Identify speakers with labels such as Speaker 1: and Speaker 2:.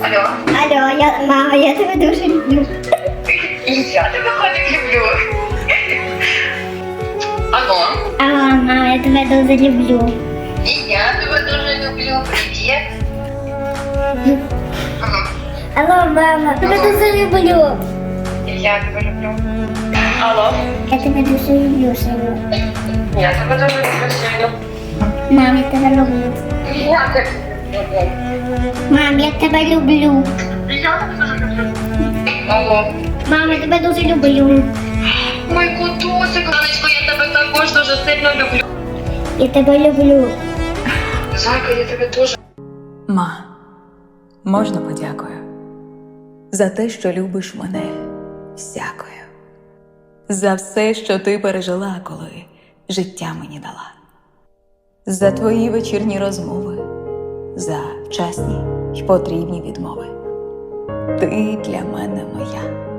Speaker 1: Алло.
Speaker 2: Алло, мама, я тебе дуже люблю.
Speaker 1: Я тебе котик люблю. Алло.
Speaker 2: Алло, мама, я тебе дуже люблю.
Speaker 1: І я тебе дуже люблю. Привіт. Ага.
Speaker 2: Алло, мама, я тебе дуже люблю.
Speaker 1: І я тебе люблю. Алло.
Speaker 2: Я тебе дуже люблю, сину.
Speaker 1: Я тебе дуже люблю, сину.
Speaker 2: Мам, я тебе люблю.
Speaker 1: Я тебе люблю.
Speaker 2: Мам, я тебе люблю.
Speaker 1: І я тебе дуже люблю. Алло.
Speaker 2: Мам, я тебе дуже люблю.
Speaker 1: Мой котусик, Ганочко, я тебе також дуже сильно люблю.
Speaker 2: Я тебе люблю.
Speaker 1: Зайка, я тебе дуже.
Speaker 3: Ма, можна подякую за те, що любиш мене всякою, за все, що ти пережила, коли життя мені дала, за твої вечірні розмови, за вчасні й потрібні відмови. Ти для мене моя.